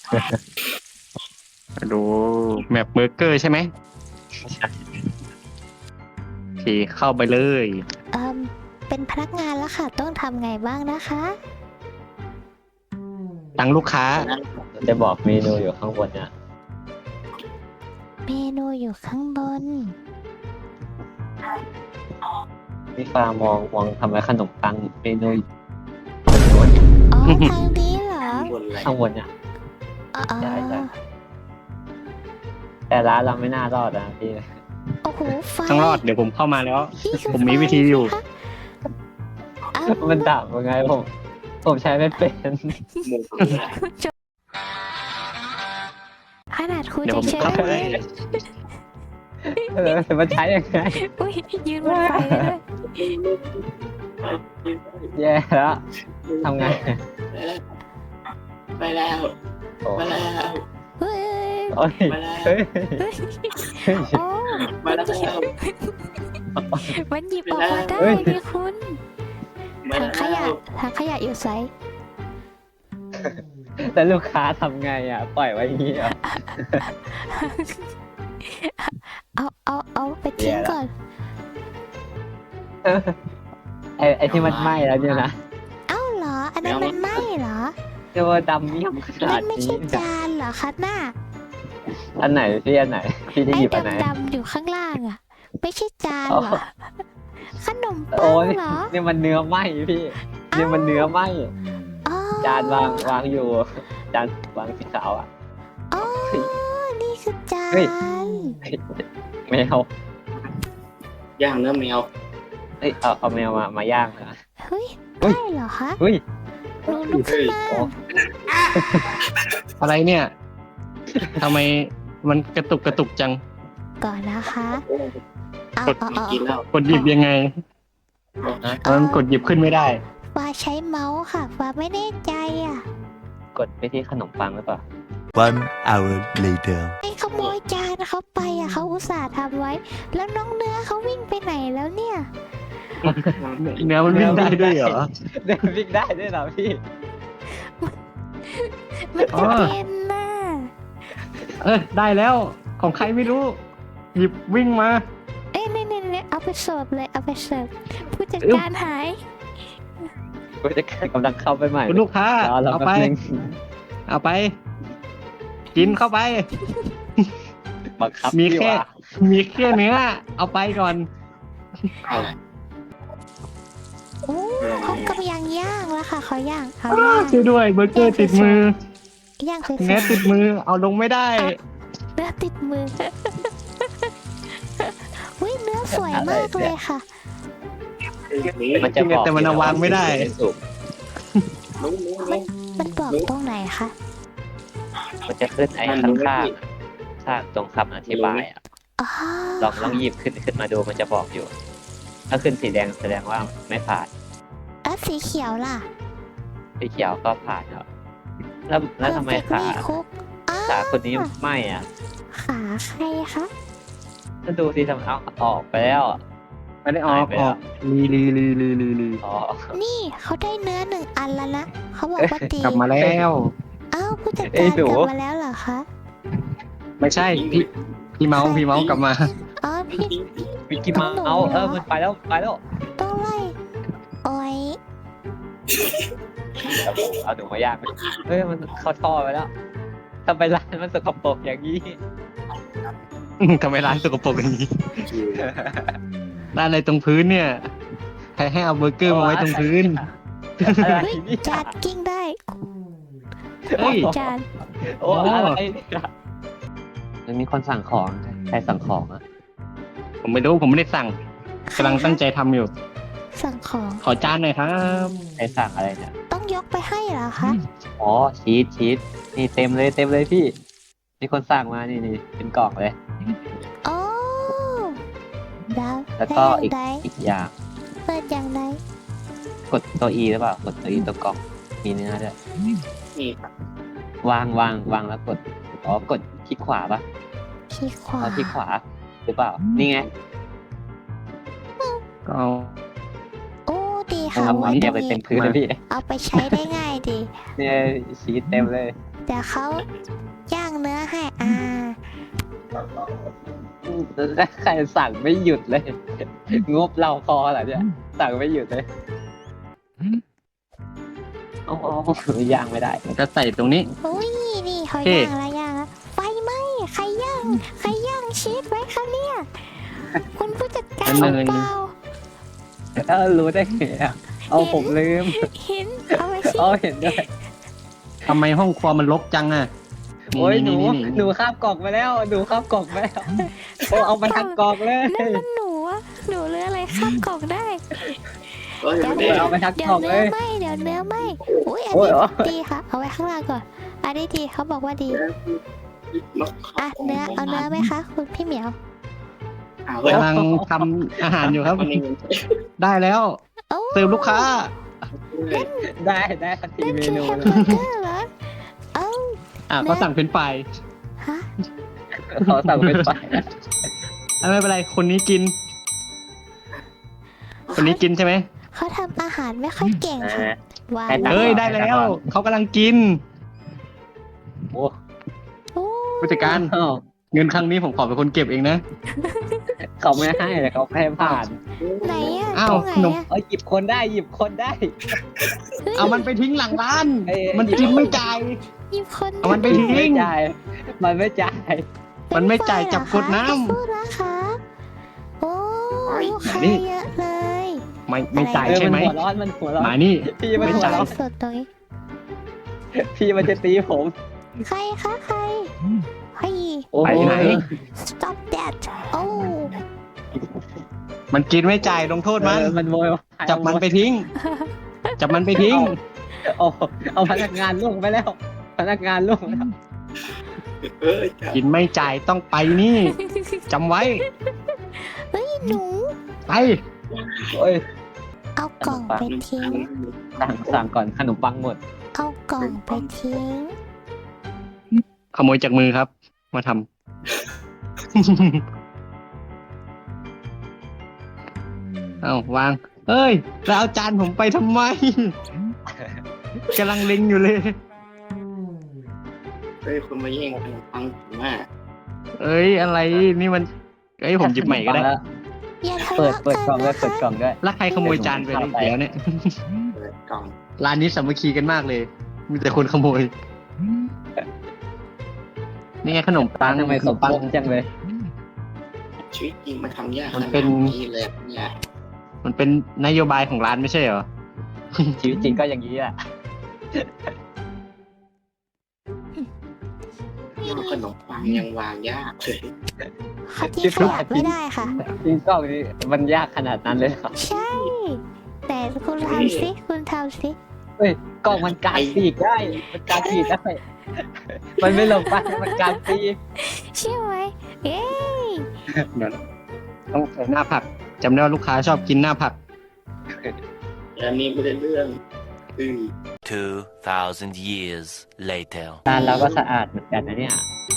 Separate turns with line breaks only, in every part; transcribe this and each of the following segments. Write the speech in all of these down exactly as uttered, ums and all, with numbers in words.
ดูแมปเบอร์เกอร์ใช่ไหม
ใช่
โอเคเข้าไปเลย
เอ่มเป็นพนักงานแล้วค่ะ ต้องทำไงบ้างนะคะ
ตั้งลูกค้า
มันจะบอกเมนูอยู่ข้างบนเนี่ย
เมนูอยู่ข้างบน
พี่ฟ้ามองมองทำไมขนมปังเมนูอยู่
อ๋อ ทางนี้เหรอ
ข้างบนเนี่ย
อ๋อ
ใช่ใช่ แต่ร้านเราไม่น่ารอดนะพี่
โอ้โหไฟ
ต้องรอดเดี๋ยวผมเข้ามาแล้ว
นี่คือ
ผมมีวิธีอยู่
ไฟสิคะอ้าว
มันดับยังไงผมผมใช้ไม่เป็น
ขนาดคุณ
เดี๋ยว
จะ
ผม
ใช้
เข้าไป
เลย
เออมันใช้ยังไง
อุ้ยยืนบนไฟเลยด้วย
แย่แล้วทำไง
ไปแล้ว
โอ้
ไปแล้ว
เฮ้ย
โอ้ย
ไปแล้ว
เฮ้ย
เฮ้ย
เฮ้ย
โอ้
มาแล้ว
มันหยิบออกมาได้
เฮ้ย
นี่คุณ
มา
ถังขยะ
แล้ว
ถังขยะอยู่ไซส์
แต่ลูกค้าทำไงอ่ะ ปล่อยไว้อย่างนี้เหรอ่ะ
เอาเอาเอาไปทิ้ง
แย่ละ
ก่อน
ไอไอที่มันไหม้แล้วเนี่ยนะ
เอ้าเหรอ อันนั้นมันไหม้เหรอ
เรียกว่าดำเมี่ยมขนา
นั่
ด
นไม่
นี้
ใช่จานเหรอคะหน้า
อันไหนพี่อันไหน พี่ได้
ไอ้
หยิบอันไหน
ดำๆอยู่ข้างล่างอ่ะ ไม่ใช่จาน
อ๋อ
เหรอ ขนมปั
โอ้
ง
ย
เหรอ
นี่มันเนื้อไหม้พี่นี่มันเนื้อไหม้
อ๋อ
จานวางวางอยู่ จานวางสีขาวอ่ะ
อ๋อนี่คือจา
เฮ้ย
น
แมว
ย่างเนื้อแมว
เอ้ยเอาเอาแมวมามาย่างนะ
เฮ้ย
เฮ้ย
ได้เหรอคะ
เฮ้ย
หนูลุกขึ้นมา
โอ้
อะไรเนี่ยทำไมมันกระตุกกระตุกจัง
ก่อนนะคะเอา
กด
เอาเอา
กินแล้ว
กดหยิบยังไงมันกดหยิบขึ้นไม่ได้
ฟ้าใช้เมาส์ค่ะฟ้าไม่แน่ใจอ่ะ
กดไปที่ขนมปังหรือเปล่า
One hour later.
ไอ้ขโมยจานเขาไปอ่ะเขาอุตส่าห์ทำไว้ แล้วน้องเนื้อเขาวิ่งไปไหนแล้วเนี่ย
เนื้อมันวิ่งได้ด้วยเหรอ
เดินวิ่งได้ด้วยเหรอพี่
มัน
อ๋
จะ
อ
เป็นน่ะ
เออได้แล้วของใครไม่รู้ หยิบวิ่งมา
เอ้ยเนี่ยเนี่ยเนี่ยเอาไปเสิร์ฟเลยเอาไปเสิร์ฟผู้จัด
อึ๊บ
การหาย
กูจะกำลังเข้าไปใหม่
คุณลูกค้าร
อเรา
เอา
แป๊
ไป
บนึง
เอาไป กินเข้าไป
บังคับ
มี
พี่
แค่
ว่ะ
มีแค่เนื้อ เอาไปก่อน
อะไร
โอ้เขากำลังย่างแล้วค่ะเขาย่างเขาย่าง
ช่วยด้วยเบอร์เกอร์ติดมือ
ย่างสวย
เนื้อติดมือเอาลงไม่ได้
ๆเนื้อติดมือ อุ้ยเนื้อสวยมากเลยค่ะ
นี่
มันจะบอก
แต่มันเอาวางไม่ได้
สุก
รู้รู้รู้
มันบอกตรงไหนคะ
มันจะขึ้นไอ้ข้างข้างๆข้างตรงคำอธิบายอ่ะ
อ๋อ
ลองลองหยิบขึ้นขึ้นมาดูมันจะบอกอยู่ ถ้าขึ้นสีแดงแสดงว่าไม่ผ่าน
แล้วสีเขียวล่ะ
สีเขียวก็ผ่านครับแล้วแล้วทำไม
Perfect
ขา
Meat Cook อ้าว
ขาคนนี้ไม่อ่ะ
ขาใครคะ
ถ้าดูสิทำไมเอาออกไปแล้วอะ
ไม่ได้ออก
หายไป
อ
แล้
อ
ว
กลีลีลีลีลีลี
อ๋อ
นี่เขาได้เนื้อหนึ่งอันแล้วนะ เขาบอกว่าดี
กลับมาแล้ว
อ้าวผู้จัด
เอ้
การ
ยหนู
กลับมาแล้วเหรอคะ
ไม่ใช่พี่พี่เมาส์พี่เมาส์กลับมา
อ๋อพี่
วิกกี้เมาส์เออมันไปแล้วไปแล้ว
ต้องไล่โอ้ย
เอาหนูมาย่างไหมเฮ้ยมันเข้าท่อไปแล้วทำไมร้านมันสกปรกอย่างนี้
ทำไมร้านสกปรกอย่างนี้ร้านอะไรตรงพื้นเนี่ย ใครให้เอาเบอร์เกอร์มาไว้ตรงพื้น
อะไร
เฮ้ย
นี่
จานกิ้งได้
เฮ้ย
จาน
โอ้อะไรเนี่ยมันมีคนสั่งของใครสั่งของอ่ะ
ผมไม่รู้ผมไม่ได้สั่งกำลังตั้งใจทำอยู่
สั่งของ
ขอจานหน่อยครับ
ใครสั่งอะไรเนี่ย
ต้องยกไปให้เหรอคะ
อ๋อชีสชีสนี่เต็มเลยเต็มเลยพี่มีคนสั่งมานี่นี่เป็นกล่องเลย
โอ้ดาว
แล้วก็อีก
ได้
อีกอย่าง
เปิดอย่างไร
กดตัวอีหรือเปล่ากดตัวอีตัวกล่องมีเนื้อด้วย
นี่ครับ
วางวางวางแล้วกดอ๋อกดคลิกขวาปะ
คลิกขวา
เอาคลิกขวาหรือเปล่านี่ไง
ก็เอา
โอ้ดีค่ะ
ทำ
วั
มาน เทียบไป
นี้
เต็มพื้นเลยพี่
เอาไปใช้ได้ง่ายดี
เนี่ยชีสเต็มเลย
เดี๋ยวเขาย่างเนื้อให้อ่า
ใครสั่งไม่หยุดเลย งบเราพอเหรอเนี่ยสั่งไม่หยุดเลยโอ้โหย่างไม่ได้
จะใส่ตรงนี้
อุ้ยนี่เขา
โอเค
ย่างแล้วย่างแล้วไฟไหม้ใครย่างใครย่างชีสไว้คะเนี่ยคุณผู้จัดการ
อัน
ห
หนึ่
รื
ง
อเปล่า
เออรู้ได้ไงอะเอาผมลืม
เห็นเอาไว้สิ
เอาเห็นด้วย
ทำไมห้องครัวมันรกจังอ่ะ
โอ้ยหนู
นี่
หนูข้ามกล่องไปแล้วหนูข้ามกล่องไปแล้วโอ้เอามาทั้งกล่องเลย
นั่นมันหนูอะหนูเลืออะไรข้ามกล่องได้
เฮ้ย
เดี๋ยว
เด็
เดี๋ยว
เอาไปทั้ง
เดี๋
ก
ย
ล่
ว
องเล
เนื้อย ไหมเดี๋ยวเนื้อไหมอุ้ยอัน
โอ้ย
นี้
อ๋อ
ดีค่ะ เอาไว้ข้างล่างก่อน อันนี้ดีเขาบอกว่าดี อ่ะเนื้อเอาเนื้อไหมคะคุณพี่เหมียว
อ้าวเฮ้ย
กำลังทำอาหารอยู่ครับ
มันเอง
ได้แล้ว
โอ้
เสิร์ฟลูกค้า
ได้ได้ทันที
นั่น
เม
คือ
นู
แฮม
เล
เบอย ร์เกอร์เหรอเอ้า
อ่ะก็สั่งเป็นไฟราย
ฮะ
เขาสั่งเป็นไฟ
อ่ะไม่เป็นไร คนนี้กิน คนนี้กินใช่ไหม
เขาทำอาหารไม่ค่อยเก่งค่ะว้าว
เอ้ยได้แล้ว เขากำลังกิน
โอ้
โอ้
ผู้จัดการ
อ้าว
เงินครั้งนี้ผมขอเป็นคนเก็บเองนะ
เขาไม่ให้แต่เขาให้ผ่าน
ไหนอะ
อ้าว
ตรงไหน
ขนม
อะ
เอ้ยหยิบคนได้หยิบคนได้
เอามันไปทิ้งหลังร้าน
เอ้ย
มันกินไม่จ่าย
หยิบคน
เอามันไปทิ้
ไม่
ง
จ่ายมันไม่จ่าย
มันไม่จ่ายจับกดน้ำ
พูดนะคะโอ้ลูกค้า
นี่
เยอะเลย
ไม่ไม่จ่าย
เออ
ใช่ไหม
นหัวร้อนมันหัวร้อน
มานี่
พี่มัน
ไม่
หัว
จ่าย
ร้อน
สดตรงนี้
พี่มันจะตีผม
ใครคะใครเฮ้ย
โอ้โ
ไปไหน
stop that โอ้
มันกินไม่จ่ายลงโทษมัน
เออมันโวยวาย
จับมันไปทิ้ง จับมันไปทิ้ง
เอาเอาพนักงานล่วงไปแล้ว พนักงานล่วงไปแล้ว
เอ้ยจับ
กินไม่จ่ายต้องไปนี่จำไว้
เฮ้ยหนู
ไป
โอ้ย
เอากล่องไปทิ้ง
สั่งสั่งก่อนขนมปังหมด
เอากล่องไปทิ้ง
ขโมยจากมือครับ มาทำ เอาวาง เอ้ย แล้วเอาจานผมไปทำไม กำลังเล็งอยู่เลย
เฮ้ยคนมาแย่งขนมปังผมอ่ะ
เอ้ย อะไร นี่มัน เอ้ย ผมหยิบใหม่ก็ได้
อย่าทะ
เปิด
เลาะ
เปิด
กัน
กล่องด้วย
นะ
เปิด
คะ
กล่องด้วย
แล้วใครขโมยจานไปเนี่ยเดี๋ยวเนี่ย
เปิดกล่อง
ร้านนี้สามัคคีกันมากเลย มีแต่คนขโมย นี่ไงขนมปัง
ทำไม
ข
เขา
นมปัง
โกงจังเลย
ชีวิตจริงมันทำยาก
มันเป็น
ขนาดนี้เลยเนี่ย
มันเป็นนโยบายของร้านไม่ใช่เหรอ
ชีวิตจริงก็อย่างนี้แหละ
ยอดขนมปังยังวางยากเลย
เขาที่ขยับไม่ได้ค่ะ
จริงกล่องนี้มันยากขนาดนั้นเลยเหรอ
ใช่ แต่คุณทำสิคุณทำสิ
เฮ้ยกล่องมันการปีกได้ มันการปีกได้ มันไม่ลงไปมันการปีก
ใช่ไหมเอ้ย
เดี๋ยวต้องใส่หน้าผักจำได้ว่าลูกค้าชอบกินหน้าผัก
อันนี้ไม่ได้เรื่องอือ
Two thousand years later.
ร้านเราก็สะอาดเหมือนกันนะเนี่ย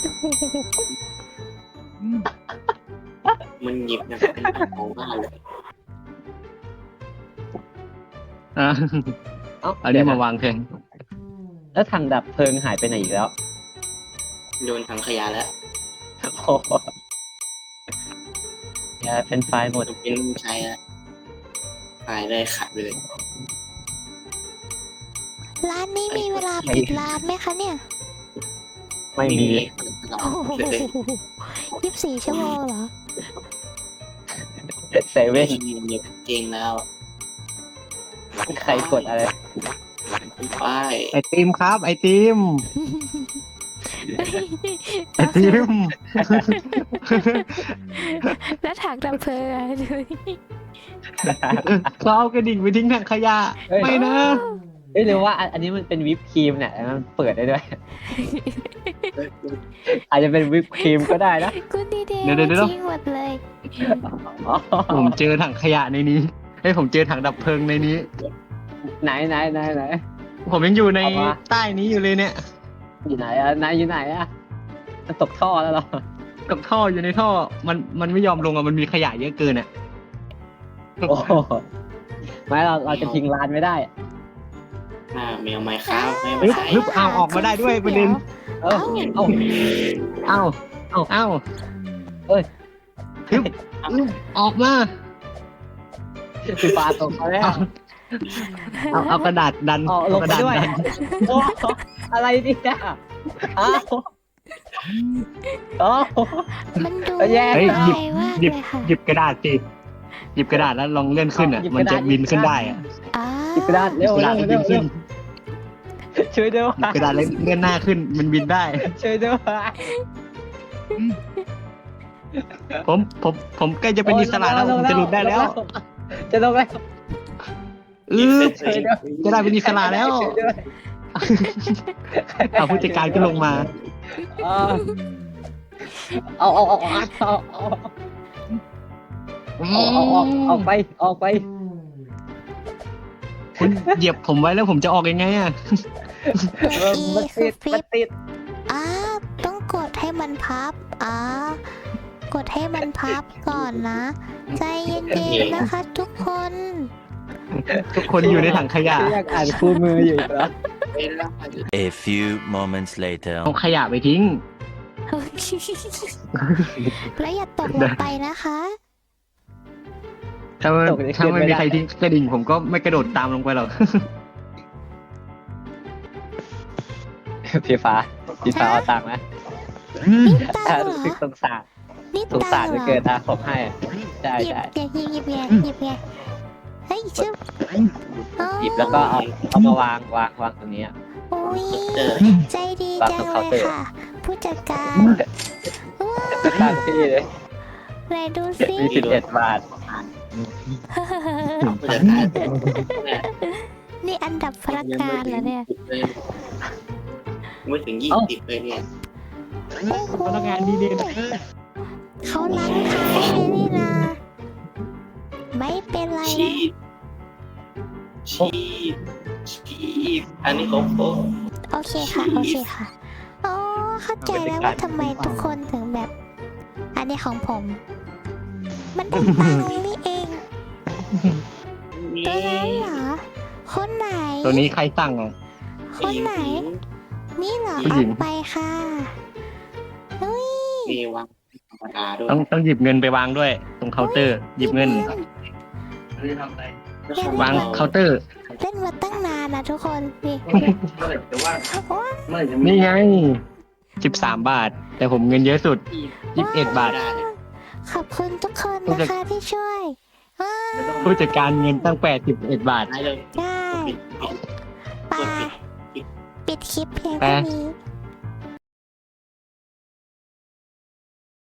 มันหยิบอย่างเป็นของบ้านเลย
อ่ะ
เอ้า
เอานี้มาวางแทน
แล้วถังดับเพลิงหายไปไหนอีกแล้ว
โยนถังขยะแล้ว
โอ้โหอย่าเป็นไฟล์หมด
มันเป็นใช้อะขายได้ขายไปเลย
ร้านนี้มีเวลาปิดร้านไหมคะเนี่ย
ไม่มี
โอ้โหยี่สิบสี่ชั่วโมงเหรอ
เซเว่น
จริงแล้ว
ใครกดอะไร
ป้าย
ไอติมครับ ไอติม ไอติม
แล้วถังดับเพลิงอะดูดิ
เขาเอากระดิ่งไปทิ้งถังขยะ
เฮ้ย
ไม่นะ
เอ้ยหรือว่าอันอันนี้มันเป็นวิปครีมเนี่ยมันเปิดได้ด้วย อาจจะเป็นวิปครีมก็ได้นะ
คุณดีเดย์
เดี๋ยวเดี๋ยวเดี๋ยว
ทิ้งหมดเลย
อ๋อ
ผมเจอถังขยะในนี้เฮ้ยผมเจอถังดับเพลิงในนี้
ไหนไหนไหนไหน
ผมยังอยู่ใน
เอามา
ใต้นี้อยู่เลยเนี่ย
อยู่ไหนอะไหนอยู่ไหนอะมันตกท่อแล้วเหรอ
กับท่ออยู่ในท่อ มันมันไม่ยอมลงอ่ะ มันมีขยะเยอะเกินอ่ะ
โอ้โหไม่เราเราจะทิ้งร้านไม่ได้
อ่าแมวไม้ค้าไม่
ฮึบ
ใช่
ฮึบเอาออกมาได้ด้วยประเด็น
เออเอา
เอ้าเอ้าเอ้า
เอ้ย
ฮึบออกมา
สีฟ้าตกมาแล้ว
เอาเอากระดาษดัน
เอาลง
กระ
ไป
ดาษ
ด้วย
ดัน
โอ้อะไรเนี่ยอ้าวโอ้
มันดู
แย่
เฮ้ยหยิบ
ง่ายมาก
หยิบ
เลยค่ะ
หยิบกระดาษสิหยิบกระดาษแล้วลองเลื่อนขึ้นอ่ะ
หยิบ
มัน
กระ
จะ
ดาษ
บินขึ้นได้อ่ะ
อ่า
หยิบกระดาษ
หยิ
เร็
บ
ว
กระ
เร็
ดาษ
ว
แล้ว
เร็
บิ
วน เร็
ขึ้
วน ช่วยด้วย
หยิบกระดาษแล้วเลื่อนหน้าขึ้นมันบินได้
ช่วยด้วย
ผมผมผมใกล้จะเป็นอิสระแล้วผมจะหลุดได้แล้ว
จะลงแล้ว
เออจะได้เป็นอิสระแล้ว
ช่วยด้วย
เอาผู้จัดการก็ลงมา
เอาเอาเอาเอาเอาเอาเอาเอาออกออกไปออกไป
คุณเหยียบผมไว้แล้วผมจะออกยังไงอ่ะ
ตัว E
มัน
คื
ติ
อ
ด
ฟลิ
มัน
ป
ติด
อ่าต้องกดให้มันพับอ่ากดให้มันพับก่อนนะ ใจเย็นๆนะคะทุกคน
ทุกคนอยู่ในถังขยะ
อยากอ่านคู่มืออยู่เหรอ
A few moments later.
เอาขยะไปทิ้ง
แล้วอย่าตกลงไปนะคะ
ถ้าไม่ถ้าไม่มีใครทิ้งกระดิ่งผมก็ไม่กระโดดตามลงไปหรอก
พี่ฟ้าพี่ฟ้าเอาตังค์นะ
นี่ตังค์เหร
รู้
อ
สึกสงสาร
นี่
สง
ตั
สารง
ค์
จะ
เหร
เกิ
อ
ดนะผมให้ใช่
หยิบ
ใช่
หยิบหยิบไงหยิบไงเฮ้ยชึบอ๋อ
หยิบแล้วก็เอาเอามาวางวางวางตรงนี้อะ
อุ้ยใจดี
วาง
จั
ตรง ง
เล
เคาน์
ย
เตอร์
ค่ะ ผู้จัดการ
จะตั้งพี่เลย
ไหนดูสิ
มีสิบเอ็ดบาท
ผู้จัดการ
นี่อันดับพนักงานเหรอเนี่ย
ไม่ถึงยี่สิบเลยเนี่ย
โอ้โห
พนักงานดีเด่น
เขาล้างท้ายให้นี่นะ ไม่เป็นไร
ชี
นะ
พชีพชีพอันนี้ของผม
โอเคค่ะ โอเคค่ะอ๋อเข้าใจแล้วว่าทำไมทุกคนถึงแบบ อันนี้ของผม มันเป็นตังค์นี่เอง ตัวนั้นเหรอ คนไหน
ตัวนี้ใครสั่งอ่ะ
คนไหน นี่เหรอ
ผู้
เอา
หญิง
ไปค่ะเฮ้ย
มีวางธรรมดาด้วย
ต้องต้องหยิบเงินไปวางด้วย ตรงเคาน์เตอร์ หยิบเงิน วางเคาน์เตอร์
เล่นมาตั้งนานนะทุกคน นี่ว้า
นี่ไงสิบสามบาท แต่ผมเงินเยอะสุดยี่สิบเอ็ดบาท
ขอบคุณทุกคนนะคะที่ช่วยว้า
ผู้จัดการเงินตั้งแปดสิบเอ็ดบาท
ได้เลย
ได้
ปิดปิด
ไปปิดคลิปเพียง
ไป
เท่านี้